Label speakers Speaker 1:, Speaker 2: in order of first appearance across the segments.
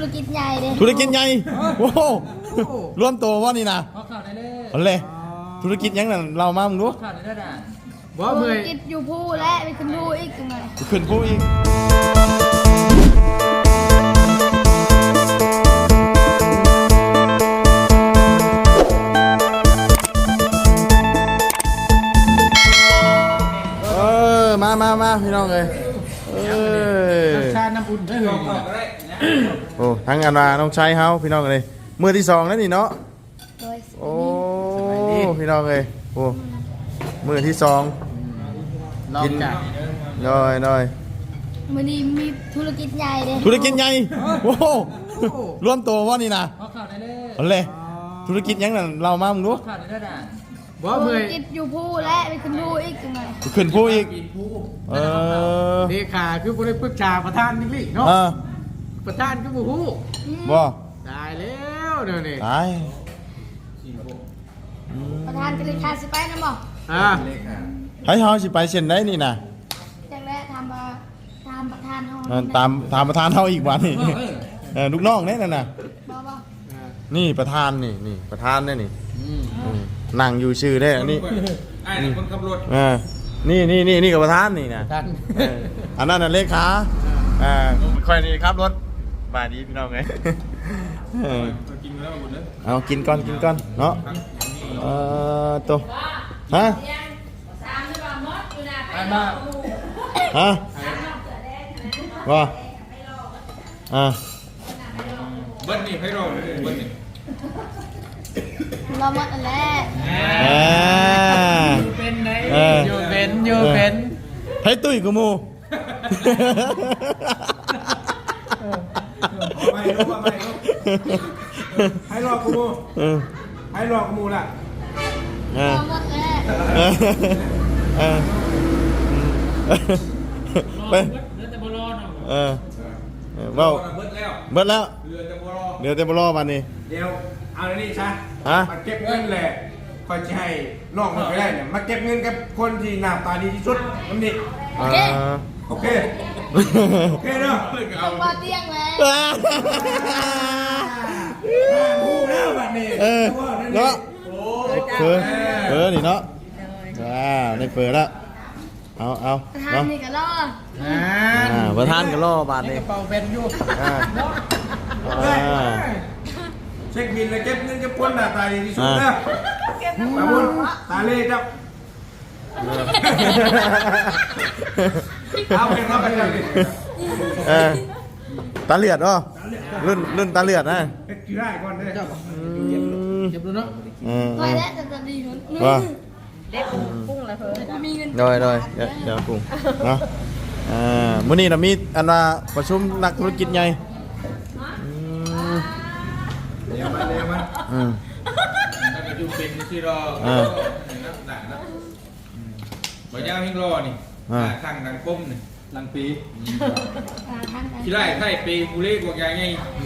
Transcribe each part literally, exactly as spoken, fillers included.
Speaker 1: กิจใหญ่เลย
Speaker 2: ธุรกิจใหญ่โอ้โหรวมตัวว่านี่นะ
Speaker 3: ขอข่าวได้เลย
Speaker 2: เอาเลยธุรกิจยังนั่นเรามามึงดู
Speaker 3: ข่าวได้ได้
Speaker 4: บ่
Speaker 1: ธุ
Speaker 4: เมื่
Speaker 1: ร
Speaker 4: อย
Speaker 1: กิจอยู่ผู้และไปขึ้นผู้อีกยังไง
Speaker 2: ขึ้นผู้อีกเออมามามาพี่น้องเลยเออ
Speaker 4: ชาน้ำอุ่นได้เลย
Speaker 2: โอ้ทั้งอันว่าน้องชายเฮาพี่น้องเลยมือที่สองแล้วนี่เนาะ
Speaker 1: โดย
Speaker 2: โอ้พี่น้องเลยโอ้มือที่สอง
Speaker 4: ลองจัด
Speaker 2: น้อยน้อย
Speaker 1: วันนี้มีธุรกิจใหญ่เลย
Speaker 2: ธุรกิจใหญ่โอ้โหรวมตัวว่านี่นะ
Speaker 3: ขอข่าวได้เลย
Speaker 2: เอาเลยธุรกิจยังนั่นเรามามึงดู
Speaker 3: ข่าวได้ได้
Speaker 4: บ่
Speaker 1: ธุ
Speaker 4: เมื่
Speaker 1: ร
Speaker 4: อย
Speaker 1: กิจอยู่ผู้และไปขึ้นผู้อีกยังไง
Speaker 2: ขึ้นผู้อีกเออ
Speaker 4: เลขาคือบ่ได้ปรึกษาประธานนี่ลิเนาะ
Speaker 2: เออ
Speaker 4: ประธานก็บ่ฮู้
Speaker 2: บ่
Speaker 4: ตายแล้วเดี๋ยวนี้
Speaker 2: ตาย
Speaker 1: ประธานกระดิ่งขาสิไปนะบอก
Speaker 4: อ่า
Speaker 2: ให้เฮาสิไปเซ็นได้นี่นะ
Speaker 1: จากแรกทำมาทำประธานห้อง
Speaker 2: เออตามตามประธานเฮาอีกวันนี่เออลูกน้องเนี่ยนั่นน่ะ
Speaker 1: บอกบอก
Speaker 2: นี่ประธานนี่นี่ประธานเนี่ยนี่อืมนั่งอยู่ชื่อได้อันนี้
Speaker 3: ไอ้คนขับรถ
Speaker 2: เออนี่นี่นี่นี่กับประธานนี่นะ
Speaker 4: ท่าน
Speaker 2: เอออันนั้นน่ะเลขาอ่าค่อยนี่ครับรถบายดีพี่น้องไงเออ
Speaker 3: กินแล้วหมดเลย
Speaker 2: เอากินก่อนกินก่อนเนาะเออตัวฮะ
Speaker 3: ไอ้มา
Speaker 2: ฮะว่าอ่า
Speaker 3: เบิ้ลนี่ให้เราเบิ้ลนี่
Speaker 1: เราหมดแล้ว
Speaker 2: อ่า
Speaker 4: เป็นไหน
Speaker 2: เออ
Speaker 4: อยู่เป็นอยู่เป็น
Speaker 2: ให้ตุ้ยกูมู
Speaker 5: ไม่รู้ว่าไม่รู้ให้รอกูมู
Speaker 2: เออ
Speaker 5: ให้รอกูมูล่ะ
Speaker 2: เออ
Speaker 1: เราหมดแล้ว
Speaker 2: เออเออไป
Speaker 3: เนื้อแต่บอลเนาะ
Speaker 2: เออเออเว้า
Speaker 5: เบิดแล้ว
Speaker 2: เบิดแล้ว
Speaker 5: เรือจะบรอ
Speaker 2: เดี๋ยวเต็มรอวันนี้
Speaker 5: เดี๋ยวเอาในนี่ซะ
Speaker 2: ฮะ
Speaker 5: มาเก็บเงินแหละคอยจะให้น้องมันไปได้เนี่ยมาเก็บเงินกับคนที่หน้าตาดีที่สุดน้ำนี่
Speaker 2: อ่า
Speaker 5: โอเคโอเคเนาะ
Speaker 1: ต้องมาเตียงแล้ว
Speaker 5: พูดแล้วบัดนี้
Speaker 2: เออ
Speaker 5: เนาะ
Speaker 2: เนาะเปิดเปิดนี่เนาะว้าวได้เปิดแล้วเอาเอา
Speaker 1: ประธาน
Speaker 2: เนาะ
Speaker 1: นี่ก็รอ
Speaker 4: อ่า
Speaker 2: อ่าประธานก็รอบาท
Speaker 4: นี่
Speaker 2: นี่
Speaker 4: กระเป๋าเป็นอยู่
Speaker 2: อ่าอ่า
Speaker 5: เช็คบินแล้วเก็บเงินกับคนหน้าตาดีที่สุดนะตาบุญตาเล่ครับเอาไปรับไปเลย
Speaker 2: เออตาเลือดเหรอรุ่นรุ่นตาเลือดนะ
Speaker 5: เอ็กซ์ได้ก่อนเด้อ
Speaker 2: อืม
Speaker 4: เก็บดูเนาะ
Speaker 2: เออ
Speaker 1: ไปแล้วจะจะดีขึ้น
Speaker 2: ว่า
Speaker 1: เด็กกุ้งอะไรเพิ่มมีเงิน
Speaker 2: โดยโดยเดี๋ยวเดี๋ยวกุ้งเนาะอ่ามื้อนี้เรามีอันว่าประชุมนักธุรกิจใหญ่อืม
Speaker 5: เดี๋ยวมาเดี๋ยวมา
Speaker 2: อืม
Speaker 3: ถ้าเกิดอยู่เป็นที่รอ
Speaker 2: อ่า
Speaker 3: นะหนักนะบ่ยาวให้รอนี่ข้างดังก้มนี่หลังปี
Speaker 1: ทางการ
Speaker 3: ที่ไร่ไข่ปีกูเล่กว่าใหญ่ไง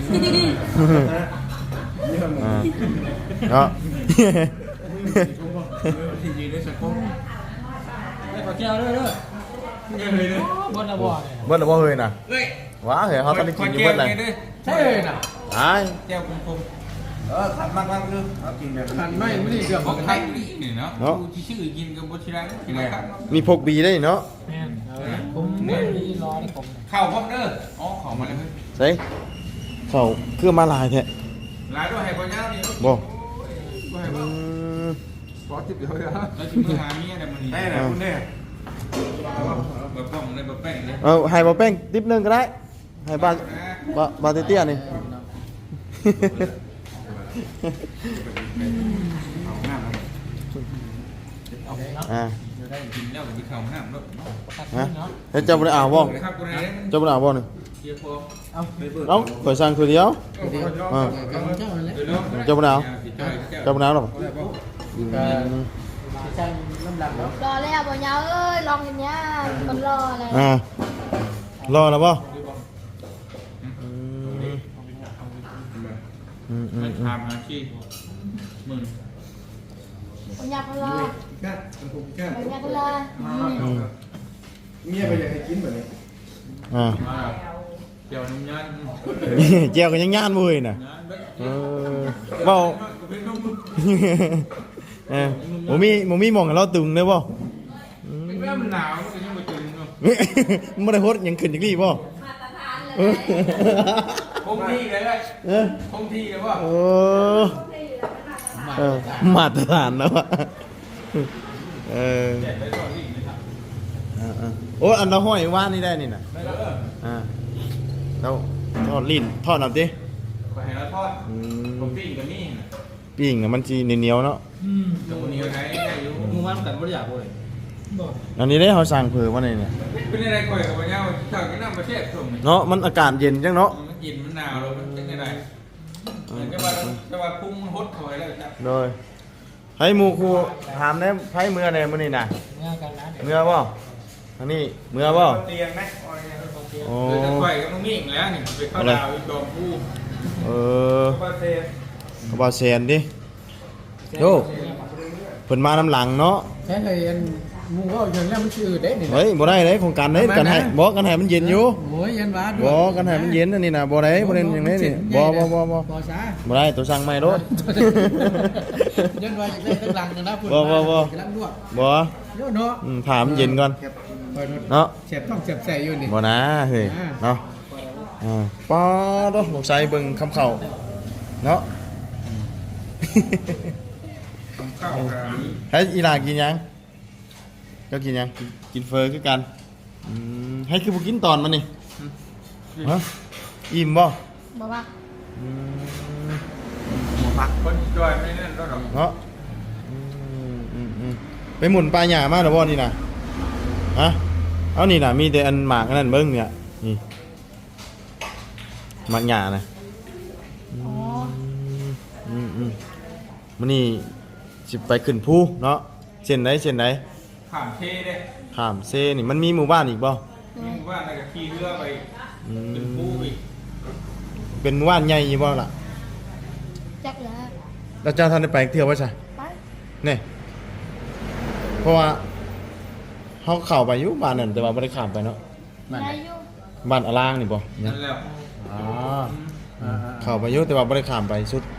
Speaker 2: อ่าเนาะ
Speaker 5: ที่ยืนในสังคม
Speaker 3: ไม่ขอแก้วด้วยเด้อเงินเลยเด้อบ
Speaker 4: นระบ่อ
Speaker 2: เบิ้ลหรือบ่เฮยน่ะ
Speaker 3: เฮ้ย
Speaker 2: ว้าเฮ้ยเขาตอนนี้กินอยู่เบิ้ลเลย
Speaker 4: ใช่น่ะ
Speaker 2: ไอ้าย
Speaker 3: แก้วคม
Speaker 5: เออขันมากมากคือเอากินแบบ
Speaker 4: ทันไม่ไม่ได้เรื่อง
Speaker 3: ๆ
Speaker 4: ข
Speaker 3: ข
Speaker 4: อ
Speaker 3: อง ง
Speaker 4: ไท
Speaker 3: ไท
Speaker 4: ย
Speaker 3: ยนี่เนาะกูที่ชื่อกินกับบ่ชิรังที่ไหนครับ
Speaker 2: มีพกบีได้เนาะ
Speaker 4: แม่นผมไม่ได้รอนี่ผม
Speaker 3: ข้าวพร้อมเด้ออ๋อของมาเลยเฮ้ย
Speaker 2: ใส่เขาเครื่องมาลายแท้
Speaker 3: หลายด้วยให้บ่ยาวนี่
Speaker 2: บ่
Speaker 3: ก็ให้บ่
Speaker 2: อืม
Speaker 5: ขอทิปเดียวเลยฮะ
Speaker 3: แล้วสิมือหาเมียได้มื้อนี้
Speaker 5: ได้แหละคุณเนี่ย
Speaker 3: บ่ป้องเลยบ่แป้งเลย
Speaker 2: เอาให้บ่แป้งติ๊บหนึงก็ได้ให้บาบาบาเตี้ยๆนี่ อ่า
Speaker 3: กินแล้วก็สิเข้าน้ำเนาะ
Speaker 2: ฮะเฮ้ยเจ้าบ่ได้อ่าวบ่
Speaker 3: ครับกูได้
Speaker 2: เจ้าบ่ได้อ่าวบ่นี่
Speaker 3: เดี๋ยวพอ
Speaker 2: เอ้าข่อยสั่งคือเดียวอ่า
Speaker 4: เจ้านั่นแหละ
Speaker 3: เดี๋ยวเนาะ
Speaker 2: เจ้าบ่ได้อ่าว
Speaker 3: เจ้า
Speaker 2: เจ้าบ่ได้อ่าวหรอ
Speaker 4: ใช่ลำหลังเนาะ
Speaker 1: รอแล้วบ่ยาวเอ้ยลองอย่างเงี้ยคนรอเลย
Speaker 2: อ่ารอแล้วบ่อืมอืมอื
Speaker 3: มั
Speaker 2: ม
Speaker 3: น
Speaker 2: อืม
Speaker 3: ทำอาชีพมึง
Speaker 1: คนอยากคนรอ
Speaker 5: แค่ผมแค่
Speaker 1: คนอยากคนรอ
Speaker 2: อืม
Speaker 5: เมียไปอยากให้กินแบบนี้
Speaker 2: อ่า
Speaker 3: มาเดี๋ยวนุ่มยัน
Speaker 2: แจวก็ยังย่านบ่เฮ้ยน่ะ
Speaker 3: ยันเบิด
Speaker 2: เออเว้า เออบ่มีบ่มีหม่องให้เราตึงเด้อบ่
Speaker 3: เป็นเรื่องมันหนาวมันก็ยังบ่ตื่นเนาะ
Speaker 2: มันบ่ได้โฮดหยังขึ้นจังนี้บ่เออ
Speaker 3: คงที่เลยเลย
Speaker 2: เออ
Speaker 3: คงที่เลยว่า
Speaker 2: โอ้เออมาตรฐานแล้วอะเออ
Speaker 3: แจกไปก่อนนี่นะครับ
Speaker 2: อ่าๆโอ้อันเราห้อยว่านนี่ได้นี่น่ะ
Speaker 3: ไม่แล้วเออ
Speaker 2: อ่าเราทอดลิ้นทอดเอาดิ
Speaker 3: ขอให้เราทอด
Speaker 2: อื
Speaker 3: ผม มปิ้งกับนี่นะ
Speaker 2: ปิ้งน่ะมันสิเหนียวๆเนาะ
Speaker 4: อืม
Speaker 3: แต่วันนี้ไหนได้อยู่
Speaker 4: มึงว่ามันกันบ่ได้อยากเลยบ่
Speaker 2: อันนี้ได้เฮาสั่งเผื่อว่านี่เนี่ย
Speaker 3: เป็นอะไรก่อยกับวันเนี้ยถ้ากินน้ำประเทศส่งนี่
Speaker 2: เนาะมันอากาศเย็นจังเนาะ
Speaker 3: มันกินมันหนาวแล้วมันเป็นยังไงเหมือนกับว่าจะว่าพุ่งมันฮดถอยแล้วจ้ะ
Speaker 2: โดยให้หมู่ครูถามได้ไผเมื่อใดมื้อนี้น่ะ
Speaker 4: งานกันนะเดี๋ยว
Speaker 2: เมื่อบ่อันนี้เมื่อบ่
Speaker 5: เตียงไหม
Speaker 2: โอ้
Speaker 3: คือจะก่อยกับมึงมีอีกแล้วนี่ไปเข้าดาวอีกดอมผู้
Speaker 2: เออ
Speaker 5: ก็เซฟ
Speaker 2: เอาบ่แซนดิโยเพิ่นมาน้ำหลังเนาะ
Speaker 4: แค่เลยอันมึงว่าอย่างนี้มันชื่อเด้นี่นะ
Speaker 2: เฮ้ยบ่ได้เลยของกันเด้กันให้บ่กันให้มันเย็นอยู่
Speaker 4: โอ้ยยันว่าด้ว
Speaker 2: บ่
Speaker 4: ย
Speaker 2: กันให้มันเย็นอันนี้น่ะบ่ได้บ่ได้อย่างนี้นี่บ่บ่บ่บ่
Speaker 4: บ่ซะ
Speaker 2: บ่ได้ตัวสั่งใหม่โลด
Speaker 4: ยันว่าอยากได้ตั้งหลังกันนะพุ่น
Speaker 2: บ่บ่บ่
Speaker 4: กำลังลวก
Speaker 2: บ่
Speaker 4: โยเนาะ
Speaker 2: อืมถามนเย็นก่อน
Speaker 4: คอย
Speaker 2: เนาะ
Speaker 4: เสียบต้องเสียบใส่อยู่นี่
Speaker 2: บ่นะเฮ้ยเนาะอ่าป้าดอกลูกชายเบิ่งคำเข้าเนาะ
Speaker 3: ข้าวกัน
Speaker 2: ให้อีหลากินยังเจ้ากินยังกินกินเฟอคือกันอืมให้คือบ่กินตอนมันนี่ฮะอิ่มบ่
Speaker 1: บอกว่า
Speaker 2: อืม
Speaker 3: หมูผักคนจอยไม่นั่นก็หรอก
Speaker 2: เนาะอืมอืมอืมไปหมุนปลาหญ้ามาแล้วบ่นี่น่ะฮะเอานี่น่ะมีแต่อันหมากอันนั้นเบิ่งเนี่ยนี่หมากหญ้าน่ะ
Speaker 1: อ๋อ
Speaker 2: อืมอืมมันนี่สิไปขึ้นภูเนาะเส้นไหนเส้นไหน
Speaker 3: ผ่านเทเด้
Speaker 2: ข้ามเซนี่มันมีหมู่บ้านอีกบ่
Speaker 3: มีหมู่บ้านอะไรกับขี่เรือไป
Speaker 2: อื
Speaker 3: เป็นผู้
Speaker 2: ม
Speaker 3: อีก
Speaker 2: เป็นหมู่บ้านใหญ่อยู่บ่ล่ะ
Speaker 1: จักแล้ว
Speaker 2: แล้วเจ้าท่านได้ไปเที่ยวบ่ใช่
Speaker 1: ไป
Speaker 2: นี่เพราะว่าเฮาเข้าไปอยู่บ้านนั่นแต่ว่าบ่ได้ข้ามไปเนาะ
Speaker 1: ได้อยู่
Speaker 2: บ้านอลางนี่บ่
Speaker 3: นั่นแหละ
Speaker 2: อ๋อเข้าไปอยู่แต่ว่าบ่ได้ข้ามไปสุด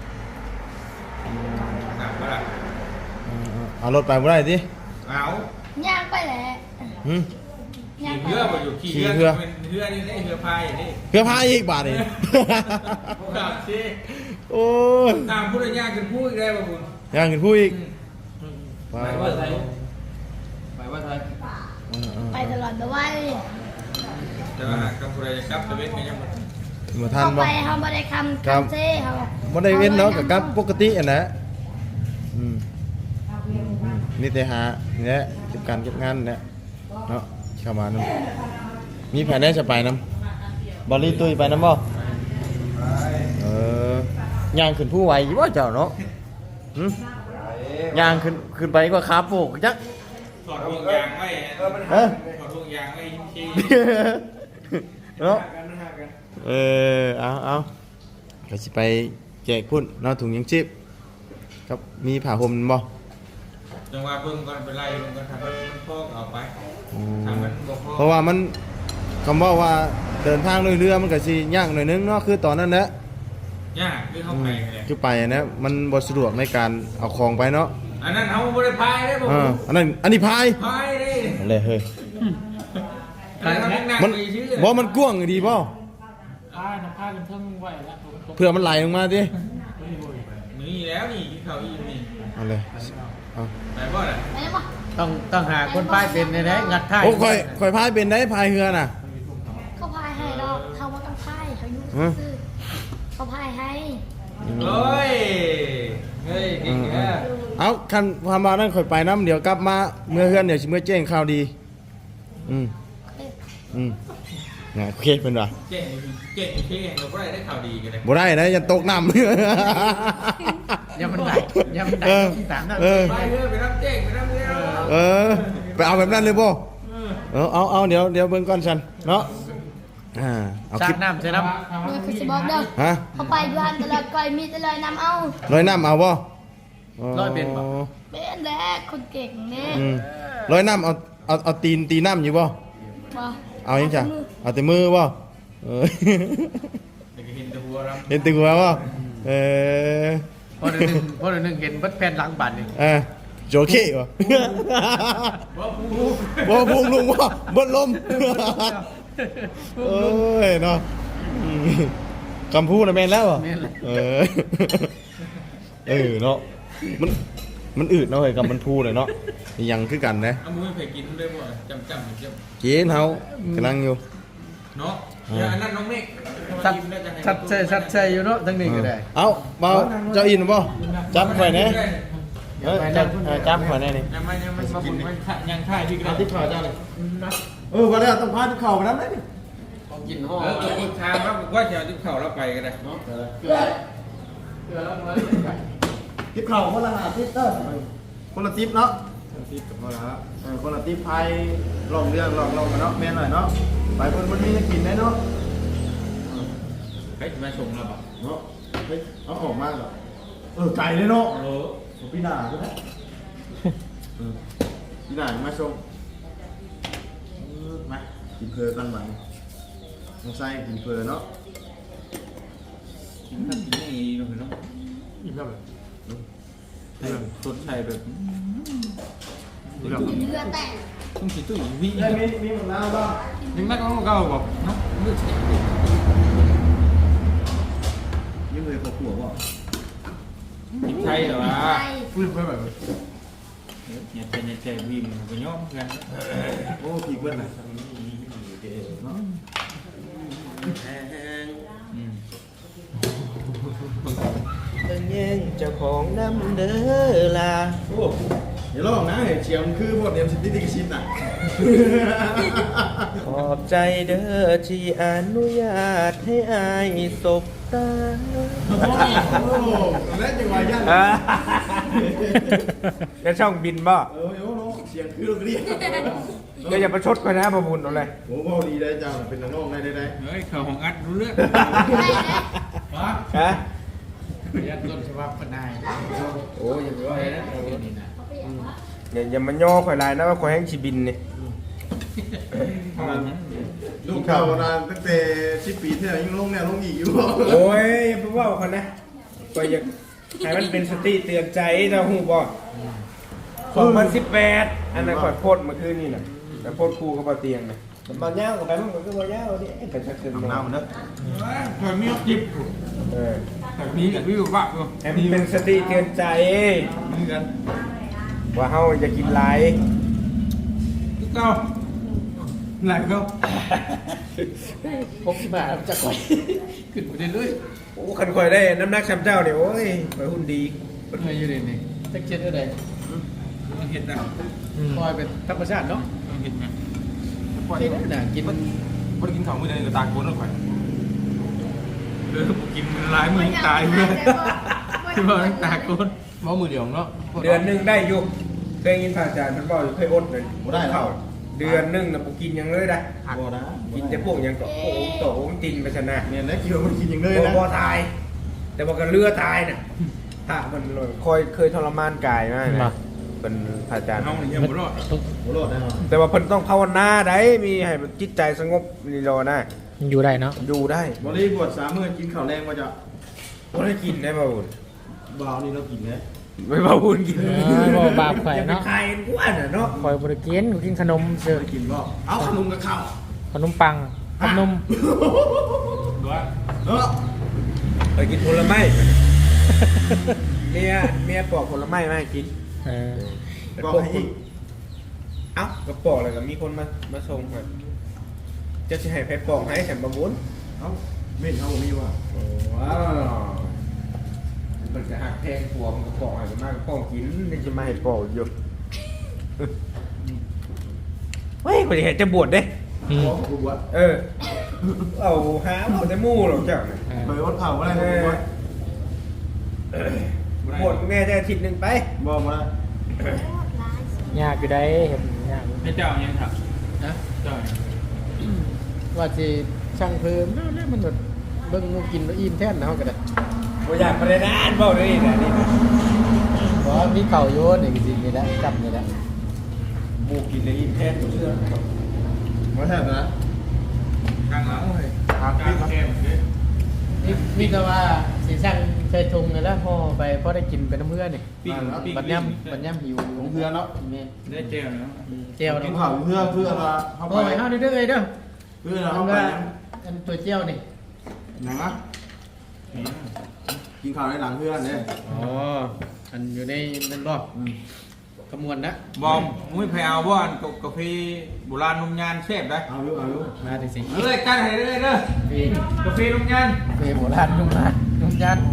Speaker 3: หนักปะล่ะ
Speaker 2: เอารถไปบ่ได้ติ
Speaker 3: เอา
Speaker 1: ย่างไปแหละ
Speaker 2: หึ
Speaker 1: ย่าง
Speaker 3: ขี่
Speaker 1: ไป
Speaker 3: เรือไปอยู่ขี่
Speaker 2: ขี่
Speaker 3: เรือ
Speaker 2: เรือ
Speaker 3: เป็นเรือนี่ได้เรือพายอย่างนี้
Speaker 2: เพื่อพาอีกบาทนี่
Speaker 3: ครับสิ
Speaker 2: โอ้ย
Speaker 3: ตามผู้ใดยากกันพูดได้ป่ะคุณ
Speaker 2: ยังขึ้นผู้อีก
Speaker 3: ไปว่าไทยไปว่าไทย
Speaker 1: ไปตลอดเลย
Speaker 3: แต่ว่ากับผู้ใดจะกลับตะเวนกันยังบ่
Speaker 2: บ่ทัน
Speaker 1: เขา
Speaker 2: บ่
Speaker 1: ไปเขาไม่ได้คำ
Speaker 2: ครับ
Speaker 1: คำเซ่เขา
Speaker 2: บ่ได้เว้นเนาะกับกับปกติอ่ะนะอืมอืมนี่แต่หาเนี่ยเก็บการเก็บงานเนี่ยเนาะเข้ามานำมีแผนได้จะไปนำบ่รีตุ้ยไปนำบ่เออย่างขึ้นผู้ไหวอยู่บ่เจ้าเนาะหึย่างขึ้นขึ้นไปก็ขาโปกจัก
Speaker 3: ถอดห่วงยางไว้
Speaker 5: เออมัน
Speaker 3: ถ
Speaker 5: หา
Speaker 3: อด
Speaker 5: กัน
Speaker 3: ห่วงยางไว้ที่
Speaker 2: เนาะ
Speaker 5: มันหากัน
Speaker 2: เออเอาเอาก็สิไปแจกพุ่นเนาะถุงยังชีพครับมีผ้าห่มบ่
Speaker 3: จังหวะเบิ่งก่อนไปไล่เบิ่งก่อนทำมันพอกเอาไป
Speaker 2: อื
Speaker 3: ทำ
Speaker 2: ม
Speaker 3: มันบ่พอ
Speaker 2: เพราะว่ามันคำว่าว่าเดินทางด้วยเรือมันก็สิยากหน่อยนึงเนาะคือตอนนั้นแหละ
Speaker 3: ยากคือเข้าไปเลย
Speaker 2: คือไปอะนะมันบ่สะดวกในการเอาของไปเนาะ
Speaker 3: อันนั้นเขาบ่ได้พายได้บ่
Speaker 2: เอออันนั้นอันนี้พาย
Speaker 3: พายได้
Speaker 2: อะไรเฮ้ย
Speaker 3: อันนั้นเขานั่ง
Speaker 2: มัน
Speaker 3: ไปชื่อ
Speaker 2: บ่มันกว้างดีบ่
Speaker 4: ผ้าน้ำผ้ากันเทิงไว้แล้ว
Speaker 2: เพื่อมันไหลลงมาดิ
Speaker 3: นี่แล้วนี่ที่เขาอีนี่
Speaker 2: เอาเลยเอา
Speaker 3: ไปบ่ล่ะ
Speaker 1: ไปได้ปะ
Speaker 4: ต้องต้องหาคนป้ายเป็นในแท้งัดท้าย
Speaker 2: โอ้ค่อยค่อยพายเป็นได้พายเรือน่ะ
Speaker 1: เขาพายให้ดอกเขาว่าต้องพายเขาอยู่
Speaker 2: ฮะ
Speaker 1: ซื่อเขาพายให้
Speaker 3: เฮ้ยเฮ้ยเก่งแค่
Speaker 2: เอาคันพามานั่นค่อยไปน้ำเดี๋ยวกลับมาเมื่อเฮือนเดี๋ยวสิเมื่อแจ้งข่าวดีอืมอืมเนี่ยโอเคเพิ่นว่า
Speaker 3: เก่งเก่งเก่งเราบ่ได้ได้ข่าวดีกันเลย
Speaker 2: บ่ได้นะอย่าตกน้ำ
Speaker 4: ยังมันได้ยังมันได้
Speaker 2: เออ
Speaker 4: ที่สามนั่น
Speaker 2: เออ
Speaker 3: ไปเรื่อยไปรับเก่งไปรับเรื่อย
Speaker 2: เออไปเอาแบบนั้นเลยบ่เออเอาเอาเดี๋ยวเดี๋ยวเบิ่งก่อนฉันเนาะอ่าเอา
Speaker 4: สา
Speaker 2: คลิ
Speaker 4: ด
Speaker 2: ป
Speaker 4: น้ำใส่น้
Speaker 1: เมื่อคือสิบอกเด้อ
Speaker 2: ฮะ
Speaker 1: เขาไปอยู่หันแต่ละก้อยมีแต่เลยนำเอา
Speaker 2: ร้อยน้ำเอาบ่
Speaker 4: ร้อยเป็นบ่
Speaker 1: เป็นแหละคนเก่งเนี่ย
Speaker 2: อืมร้อยน้ำเอาเอาเอาตีนตีน้ำอยู่บ่
Speaker 1: บ่
Speaker 2: เอายังจ้ะเอาแต่มือบ่เออ
Speaker 3: เด็กเห็นแต่หัวรำ
Speaker 2: เห็นตึกหัวป่ะเออ
Speaker 4: พอเดี๋ยวนึงพอเดี๋ยวนึงเห็นเบัดแผ่นหลังบัตรนี่
Speaker 2: เอ่ะโจเก้ป่ะ
Speaker 3: ว่าผู้
Speaker 2: บ่พุงลุงป่ะบนลมเอ้ยเนาะอืมคำพูดนะแม่นแล้วเหรอ
Speaker 4: แม่นเลย
Speaker 2: เออเออเนาะมันมันอืดเนาะเฮ้ยกับมันพูดเลยเนาะยังคือกันนะ
Speaker 3: เอามือไปกินด้วยบ่จำจำเจ็บ
Speaker 2: กินเฮากำลังอยู่
Speaker 3: เนาะอย่าอันนั้นน้องเมฆ
Speaker 4: ชัดชัดใช่ชัดใช่อยู่เนาะทั้งนี้ก็ได้
Speaker 2: เอาเบาเจ้าอินบ่จับไว้แหน่เอ้ยจับเออจับไว้แหน่นี่
Speaker 3: ยังไม่ยังไม่มาบุญไม่ยังท่ายที่ก็
Speaker 2: เอา
Speaker 3: ได้
Speaker 2: ที่ข่าวเจ้าเลยเออว่าแล้วต้องพาที่ข่าวไปนั้นได้ดิ
Speaker 4: ของกินห่อ
Speaker 3: เออคนทางว่าว่าจะเอาที่เข่าเราไปก็ได้เนาะ
Speaker 4: เกลือเกลือแล้วมาเลยไก่
Speaker 2: ที่ข่าวคนละหาทิศเด้อคนละทิศเนาะทิศกับคนละเออคนละทิศพายลองเรื่องลองลองกันเนาะแม่นหน่อยเนาะไปคนมันมีจะกินได้เนาะ
Speaker 3: เฮ้ยมาส่งเราบ่
Speaker 2: เนาะเฮ้ยเอาออกมาเหรอเออไก่เลยเนาะ
Speaker 3: เออ
Speaker 2: พี่หนาใช่ไหมเออพี่หนามาชมเออมากินเพลกันไหมน้องไส้กินเพลเนาะ
Speaker 3: กินข้าวกินนี่เนาะเนาะ
Speaker 4: อิ่มแล้วเลย
Speaker 3: เรื่องสดใสแบบ
Speaker 1: เรือแตก
Speaker 3: ต้องกินตู้อีวี
Speaker 2: ได้มีมีหมดแล้วบ้าง
Speaker 3: ยังนักของเก่าบ่เนาะมือ
Speaker 2: ยังเลยขอขัวบ่
Speaker 3: กินไทยเหรอวะ
Speaker 1: ไทย
Speaker 4: ฟื้นไปแบบ
Speaker 3: เนี่ยเป็นเนี่ยแจ่วิ่งก็ย่อมกัน
Speaker 2: โอ้ผีเบิ้ลน่ะเนาะ
Speaker 3: อืม
Speaker 6: ตั้งแย่งเจ้าของน้ำเด้อล่ะ
Speaker 2: โอ้เดี๋ยวลองนะเห็นเชียมคือพวกเดียมสิทธิกิชินน่ะ
Speaker 6: ขอบใจเด้อที่อนุญาตให้อายสบตา
Speaker 2: โอ้โหแล้วจังหวะยัน
Speaker 6: จะช่องบินบ่
Speaker 2: เออโอ้โหเสียงคือเรียก
Speaker 6: ก็อย่าประชดกันนะประบุญเอาเลย
Speaker 2: โอ้โหดีได้จังเป็นน้องได้ได้ได้
Speaker 3: เฮ้ยเขาของอัดรู้เรื่อง
Speaker 4: ว้า
Speaker 6: ฮะ
Speaker 4: ยัดต้นฉบับปนาย
Speaker 6: โอ้ยอย่าไปว่าเลยนะอย่าอย่ามาย่อข่อยลายนะว่าข่อยแห้งชีบินนี่
Speaker 2: ลูกเก่านานตั้งแต่สิบปีที่แล้วยังลงแนวลงอีกอยู่
Speaker 6: โอ้ยอย่าไปว่าคนนะข่อยอยากให้มันเป็นสติเตือนใจเจ้าหูบ่สองพันสิบแปดอันนั้นข่อยโพดเมื่อคืนนี่น่ะแต่โพดครูกับบ่เตียงน่ะมาย่างกับไปมันก็บ่ย่างดิเป็นชักเกิน
Speaker 2: น้ำมันเนอะ
Speaker 3: เคยมีจิบ
Speaker 6: เออ
Speaker 3: แต่มีกับวิวบ้าก็
Speaker 6: ให้มันเป็นสติเตือนใจ
Speaker 3: มีกัน
Speaker 6: ว่าเฮาจะกินหลาย
Speaker 3: ทุกเก้าไหนก็
Speaker 4: พกที่มาจะก่อยขึ้นไปเรื่อย
Speaker 6: โอ้คันข่อยได้น้ำหนักช้ำเจ้าเนี่ยโอ้ยข่อยหุ่นดี
Speaker 4: ๆเป็นไงอยู่นี่นี่ตะเกียบอะไร
Speaker 3: ต้องเห็นนะ
Speaker 4: คอยเป็นธรรมชาติเนาะ
Speaker 3: ต้องเห็นนะ
Speaker 4: กินน่ะกิน
Speaker 5: บ่ได้กินข้าวมื้อใดก็ตากโกนแล้วข่อย
Speaker 3: เออกินหลายมือตายเลยที่บอกตาโกน
Speaker 4: หม้อมือเดียวเนาะ
Speaker 6: เดือนหนึงได้อยู่เคยกินผ่าจานเพิ่นบอกอยู่เคยอดเลย
Speaker 2: บ่ได้แล้ว
Speaker 6: เดือนหนึงน่ะบ่กินหยังเลยนะ
Speaker 2: บ่นะ
Speaker 6: กินแต่พวกหยังก็โอ้โหโตโอ้ตินไปชนะ
Speaker 2: เนี่ยนะคิดว่ามันกินอย่างเลย
Speaker 6: บ่
Speaker 2: นะ
Speaker 6: บ่ตาย แต่ว่าก็เลือตายน่ะถ้ามันเลยคอยเคยทรมานกายมากนะเป็นผ่าจาน
Speaker 3: น้องนี่ยังบ่รอด
Speaker 2: โหโลดแน่นอน
Speaker 6: แต่ว่าเพิ่นต้องภาวนาได้มีให้มันจิตใจสงบนี่รอนะ
Speaker 4: อยู่ได้เนาะ
Speaker 6: อยู่ได้
Speaker 2: บริบทสามมื้อกินข้าวแรงมาจะ
Speaker 6: บ่ได้กินได้บ่าวบุญ
Speaker 2: บ่าวนี่เรากินนะ
Speaker 6: ไม่บ่าวบุญกิน
Speaker 4: บ่บาปไข่เนาะ
Speaker 6: ใครกว่าน่ะเนาะ
Speaker 4: คอยบริกินกินขนมเสือ
Speaker 2: เคยกินบ่เอาขนมกับข้าว
Speaker 4: ขนมปังขนม
Speaker 3: ด้วย
Speaker 2: เออ
Speaker 6: ไปกินผลไม้ เมียเมียปอกผลไม้มาให้กิน
Speaker 4: เออ
Speaker 2: บอกให้อีก
Speaker 6: เอ้าก็ปอกเลยก็มีคนมามาส่งครับจะสิให้ไปปอกให้ฉันประมุน
Speaker 2: เอ้าเม่นเขาบ่มีว่า
Speaker 6: ว้าวมันจะหักแพงผัวมันก็ปอกให้มันมากก็ปอกกินนี่จะมาให้ปอกอยู่ เฮ้ยกูจะเห็นจะบวชเด้
Speaker 4: อืม
Speaker 2: บอกกูว่า
Speaker 6: เออ เอาหาเอาแต่หมู่หรอกเจ้าเนี่ย
Speaker 2: ไปวัดเผาอะไรกูว่า
Speaker 6: บวชแม่จะอาทิตย์หนึ่งไป
Speaker 2: บอกมา
Speaker 4: ยากอยู่ได้เห็นยาก
Speaker 3: ให้เจ้ายังครับ
Speaker 4: นะ
Speaker 3: เจ้า
Speaker 4: ว่าสิช่างเพิ่มแล้วมันแบบเบิ่งหมูกินแล้วอิ่มแท้นนะเฮาก็ได้
Speaker 6: บ่อยากไปเลยนะอันบอกเลยนะนี่นะ
Speaker 4: เพราะมีเข่าโยนนี่จริงๆนี่แหละจับนี่แหละ
Speaker 6: หมูกินเลยอิ่มแท้ตัวเชื่อ
Speaker 2: มาแทบนะ
Speaker 3: กลางหลังเลย
Speaker 2: ครับ
Speaker 3: การแข่งเด้อ
Speaker 4: นี่นี่ก็ว่าสิสั่งใส่ถุงนี่แหล้วห่อไปพอได้กินไปน้ำเพื่อนนี่
Speaker 3: ปิ้งปิ้ง
Speaker 4: บัดย่ำบัดย่ำหิว
Speaker 2: ของเพื่อนเนาะ
Speaker 4: แม่น
Speaker 3: ได้เจลเนาะ
Speaker 4: เจียว
Speaker 2: กิน
Speaker 4: เนาะ
Speaker 2: ข้าวเพื่อนเพื่อนเราเข้า
Speaker 4: ห่อ
Speaker 2: ไป
Speaker 4: ไปเฮาเด้อๆเอ้ยเด้อ
Speaker 2: เพื่อนเรา
Speaker 4: อั
Speaker 2: เข้าน ไป
Speaker 4: ว่าอันตัวเจียวนี่
Speaker 2: ไหนวะกินข้าวในหลังเพื่อนเนี่ย
Speaker 4: อ๋ออันอยู่ในนั่นบ่ขมวนนะ
Speaker 3: บอมมุ้ยแพเอาบ่อันกาแฟโบราณนมยานเชฟได้
Speaker 2: เอาลูกเอาลูก
Speaker 4: มาดิสิ
Speaker 3: เอ้ยกันให้เด้อเด้อ
Speaker 4: พี่
Speaker 3: กาแฟนมยาน
Speaker 4: เฟโบราณนุ่มนะนุ่มยัน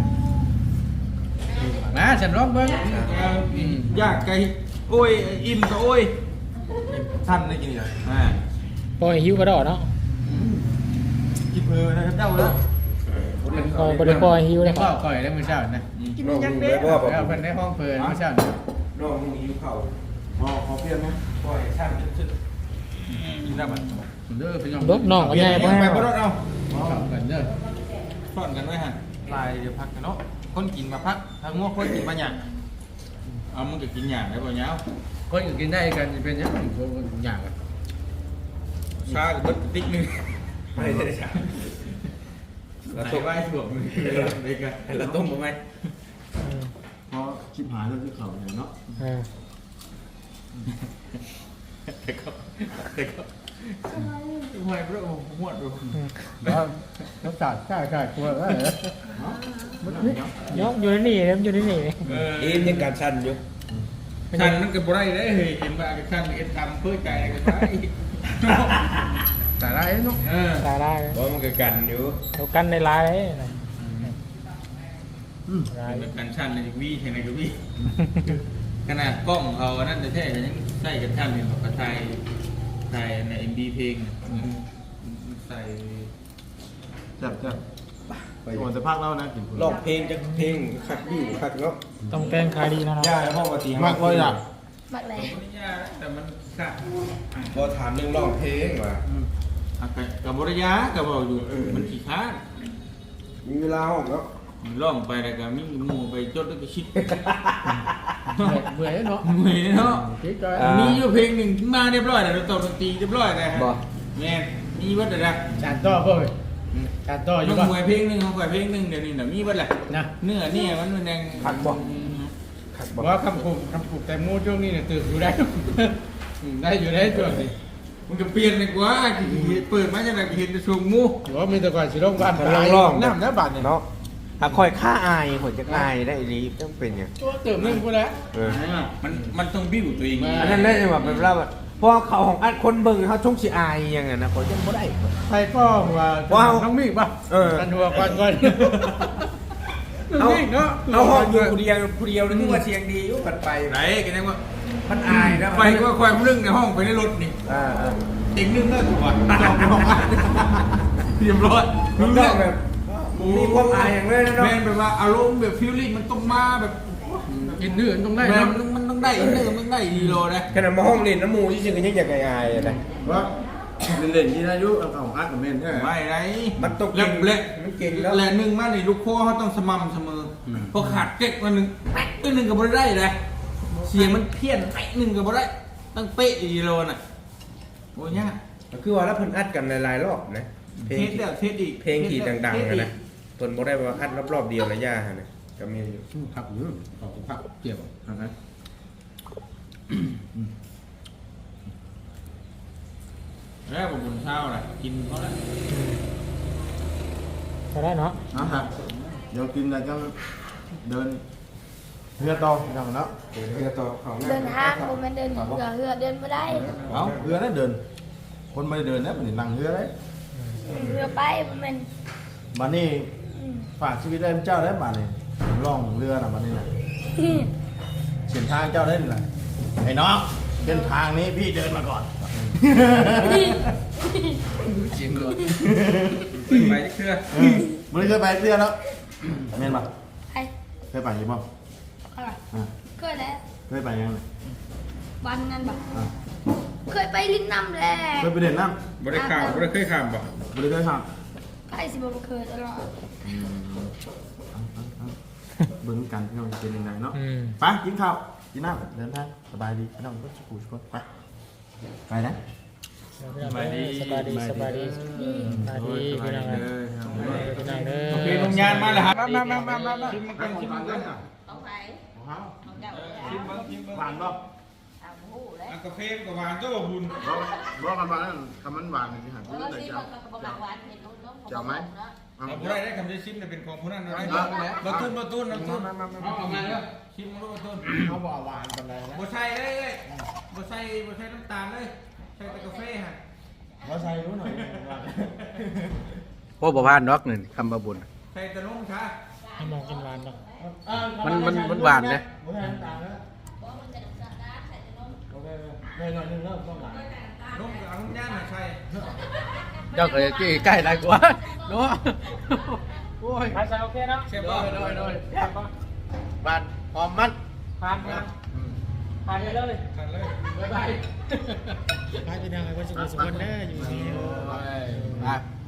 Speaker 4: มาฉันร้องเบิ่ง
Speaker 3: ยากไกลโอ้ยอิ่มก็โอ้ย
Speaker 2: ท่านได้กินยัง
Speaker 3: อ่า
Speaker 4: ปล่อยหิวกระดอเนาะ
Speaker 2: กินเพื่อนนะครับเจ้าเลย
Speaker 4: ปล่อยบ่ได้ปล่อยหิวเลยก็ก่อยได้มื้อเช้านะ
Speaker 6: กินยังเด้บ่บ่
Speaker 4: แล้วเพิ่นได้ห้องเพิ่นมื้อเช้า
Speaker 6: น้องมึงหิวข้าว
Speaker 2: อ๋อขอเพียงไหม
Speaker 6: ปล่อยช่างสุด
Speaker 3: กินได้บัด
Speaker 4: เด้อพี่น้องรถน้องก็ใหญ่
Speaker 3: ไป
Speaker 4: บ่
Speaker 3: ไป
Speaker 4: ให้
Speaker 3: บ่รถเอา
Speaker 4: กันเด้อ
Speaker 3: ซ่อนกันไว้หั่น
Speaker 2: ลายเดี๋ยวพักกันเนาะคนกินมาพักทางง้อคนกินมาอย่าง
Speaker 3: เอามึงก็กินหยังได้บ่ยาว
Speaker 4: คนอื่นกินได้กันจะเป็นยังคนอย่างกัน
Speaker 3: ชาก็เบิดติ๊กนึง
Speaker 6: ๆไม่ได้ช่าง
Speaker 3: แล้วตกไว้ถ่วงมือเด็กอะ
Speaker 6: เราต้มบ่ไหม
Speaker 2: เพราะชิบหายเรื่องที่เขาเนี่ยเนาะ
Speaker 4: อ่า
Speaker 3: แต่ก็แต่ก็ทำไมพระองค์หวดดู
Speaker 4: แล้วน้ำตาลใช่ใช่กลัวว่าเหรอเนาะอยู่ในนี่ครับอยู่ในนี่
Speaker 3: เออ
Speaker 6: เอ็มยังการชันอยู่
Speaker 3: ชันมันก็บ่ได้เด้เฮ้ยเห็นว่าชันเอ็นทำเพื่อใจกันไป
Speaker 4: ตาได้เนาะ
Speaker 3: เออ
Speaker 4: ตาได้
Speaker 6: เพราะมันก็กันอยู่
Speaker 4: เรากันในลายเลย
Speaker 3: เป็นการชันในวีใช่ไหมกับวีขนาดกล้องเขานั่นจะแท้กันยังใส่กันชันเนี่ยกระไทยไทยในเอ็มบีเพลงใส่
Speaker 2: จับจับไปก่อนจะพักแล้วนะกิน
Speaker 6: ร้องเพลงจักเพลงคักอยู่คักเนาะ
Speaker 4: ต้องแกงขายดีนะ
Speaker 6: ย่าพ่อปฏิ
Speaker 2: มากเลยอ่ะ
Speaker 1: มักแหล
Speaker 3: ไม่ยากแต่มันขาด
Speaker 6: บ่ถามเรื่องร้องเพลงว่า
Speaker 3: กับบริยากับบอกอยู่มันขี้ค้าน
Speaker 6: มีเวลาห้องเนาะ
Speaker 3: ล่องไปแล้วก็มีหมู่ไปจดแล้วก็ชิด
Speaker 4: เบื่อเนาะ
Speaker 3: เหนื่อยเนาะ
Speaker 4: คิดก็
Speaker 3: มีอยู่เพลงหนึ่งมาเรียบร้อยแล้วตบดนตรีเรียบร้อยแล้วฮะแม่มีวัดอะไร
Speaker 4: จานต่อเพิ่มจานต่ออยู่
Speaker 3: ต้อง
Speaker 4: ป่ะ
Speaker 3: มวยเพลงหนึ่งเขาขวยเพลงหนึ่งเดี๋ยวนี้เดี๋ยวมีวัดแหละ
Speaker 4: นะ
Speaker 3: เนื้อเนี่ยมันมันยัง
Speaker 6: คักบ่คัก
Speaker 4: บ
Speaker 6: บ่
Speaker 4: อกว่าคำคุมคำคุมแต่มูช่วงนี้เนี่ยตื่นอยู่ได้ได้อยู่ได้ช่วงนี้
Speaker 3: มันก็เปลี่ยนเลยกว่าเปิดมาจากไหนเห็นแต่ชงมู
Speaker 4: หรือว่ามีแต่ก่อนสิลงบ้านน้ำน้ำบานเนี่ย
Speaker 6: เนาะถ้าคอยค่าอายผลจะอายได้รีบต้องเป็นอย่าง
Speaker 4: ตัวเติมนึงกูแล้ว
Speaker 6: เออ
Speaker 3: มันมันต้องบิ้วตัวเอง
Speaker 6: อันนั้นได้แบบเป็นว่าแบบเพราะเขาของอัดคนเบิ่งเขาชงสิอายอย่างนั้นนะเขาจะบ่ได้
Speaker 4: ใครก็ว่าน้องมิ่งป่ะกันหัวก่อนก่อน
Speaker 6: เอา
Speaker 4: มิ่งเนาะ
Speaker 6: เอาห้องอยู่ผู้เดียวผู้เดียวนึกว่าเสียงดีอยู่กันไป
Speaker 3: ไหนกันยังว่า
Speaker 6: มันอายนะ
Speaker 3: ไปก็ควายเรื่องในห้องไปในรถนี่
Speaker 6: อ่าอ่า
Speaker 3: เต็งนึ่งเลิกถูกป่ะเรียบร้อย
Speaker 6: มัน
Speaker 3: รู้
Speaker 6: ก็
Speaker 3: เรื่อง
Speaker 6: แบบมีความอายอย่างเลยนะเนาะ
Speaker 3: แม่แบบว่าอารมณ์แบบฟีลลิ่งมันต้องมาแบบ
Speaker 4: กินเนื้อต้องได้
Speaker 3: แม่
Speaker 4: นะ
Speaker 3: มันมันต้องได้เนื้อมันต้องได้ดีโลนะ
Speaker 6: ขนาดมาห้องเรียนน้ำมูที่จริงก็ยังอยากอายๆนะ
Speaker 2: ว่าเล่นๆที่อายุเอาของอัดกับเมนใช่ไหม
Speaker 3: ไม่ไร
Speaker 6: มันต้อง
Speaker 3: เละเละ
Speaker 6: มันเก่งแล้ว
Speaker 3: แหละหนึ่งมาในลูกคอเขาต้องสม่ำเสมอพอขาดเก๊กมาหนึ่งแป๊กตัวหนึ่งก็บ่ได้เลยเสียงมันเพี้ยนแป๊กหนึ่งก็บ่ได้ต้องเป๊ะดีโลน่ะโอ้ยยาก
Speaker 6: คือว่าแล้วเพิ่นอัดกันหลายๆรอบนะเพล
Speaker 3: เท
Speaker 6: ง
Speaker 3: สเดียวเทสอีก
Speaker 6: เพลงที่ดังๆนะนะเพิ่นบ่ได้ว่าอัดรอบๆเดียวระยะฮะนะก็มีอยู่
Speaker 4: ผักอยู่ผักเกี่ยวนะ
Speaker 3: แล้วผมบนเช้าแหละกินเขาแล้ว
Speaker 4: ก็ได้เนาะ
Speaker 2: นะครับเดี๋ยวกินแล้วก็เดินเรือต่ออย่างเนาะ
Speaker 6: เพื่อต่อของ
Speaker 1: เดินทางบ่แม่นเดินเหือเหือเดินบ่ได้
Speaker 2: เอาเรือนั่นเดิน คนไม่ได้เดินนะมันนั่งเรือเลย
Speaker 1: เรือไปบ่แม่น
Speaker 2: มานี่
Speaker 1: อืม
Speaker 2: ฝากชีวิตได้เจ้าได้มาเนี่ยล่องเรือน่ะมานี่นะเส้นทางเจ้าได้นี่แหละไอ้น้องเส้นทางนี้พี่เดินมาก่อน
Speaker 4: เสียงเลย
Speaker 3: ไปเครือ
Speaker 2: เออมันเคยไปเรือแล้วเมนปะ
Speaker 1: ไป
Speaker 2: เคยไปยังบ่
Speaker 1: เอาล่ะ
Speaker 2: อ่า
Speaker 1: เคยแล้ว
Speaker 2: เคยไปยังไง
Speaker 1: วันนั้นบ่
Speaker 2: อ่า
Speaker 1: เคยไปลิ้นน้ำแล
Speaker 2: เคยไปเด่นน้
Speaker 3: บริการบริเคยข้ามบ่
Speaker 2: ำบริเคยท
Speaker 1: ไปสิบ่เคยตลอด
Speaker 2: ำเบิ้งกันพี่น้องจะเป็นยังไงเนาะ
Speaker 4: อืม
Speaker 2: ไปกินข้าวกินน้ำเดินทางสบายดีพี่น้องก็สุขุสุขไปไปนะ
Speaker 4: สบายดีสบายดีสบายดีสบายดีพี่น้องพี่น้องเด้อ
Speaker 3: โอเคลงยานมาแล้วครับ
Speaker 6: มามามามามา
Speaker 3: ชิมมาก่อนชิมมาก่อน
Speaker 7: không phải
Speaker 2: ของเฮา
Speaker 7: không chậu
Speaker 3: ชิมเบิ้งชิมเบิ้ง
Speaker 2: หวานบ่
Speaker 7: à hú đấy
Speaker 3: กาแฟกับหวานก็บุญ
Speaker 2: บ่บ่กันว่าคำมันหวานสิหา
Speaker 7: ờ xin mà có bạc quán thì nó nó không
Speaker 2: Chào
Speaker 7: có
Speaker 2: mấy.
Speaker 7: bột nữa
Speaker 3: เราผู้ใดได้คำได้ชิมเนี่ยเป็นของผู้นั้นนะมาตุ้นมาตุ้นมาตุ้นเอาออกมาเลยชิมมาตุ้นมาตุ้น
Speaker 2: เขาบ่หวานปานใดนะ
Speaker 3: บ่ใส่เลยเลยบ่ใส่บ่ใส่น้ำตาลเลยใส่แต่กาแฟฮะ
Speaker 2: บ่ใส่รู้หน่อยหวาน
Speaker 8: โอ้บ่พานดอกนี่คำบาบุญ
Speaker 3: ใส่แต่นมค่ะ
Speaker 4: ให้มองกินหวานดอก
Speaker 8: มันมันมันหวานนะ
Speaker 2: บ่ใส่น้ำตาลนะ
Speaker 7: bố mình sẽ đập đá sẽ cho nó
Speaker 2: โอเคๆหน่อยๆนึงเริ่มต้องหวาน
Speaker 3: นมกับเอาน้ำย่างมาใส่
Speaker 8: เจ้าก็ใกล้ได้กว่าเนาะโอ้ย
Speaker 4: ไปใส่โอเคเนาะ
Speaker 3: เชฟ
Speaker 8: โด
Speaker 3: บ่
Speaker 8: ยโดยโดยบานหอมมัน
Speaker 4: ผ่านผ่านผ่านไปเลย
Speaker 3: กันเลย
Speaker 8: บ๊ายบาย
Speaker 4: ไปพี่น้องไอ้คนสุขสุขคนเด้ออยู่นี่
Speaker 8: โอ้ยไป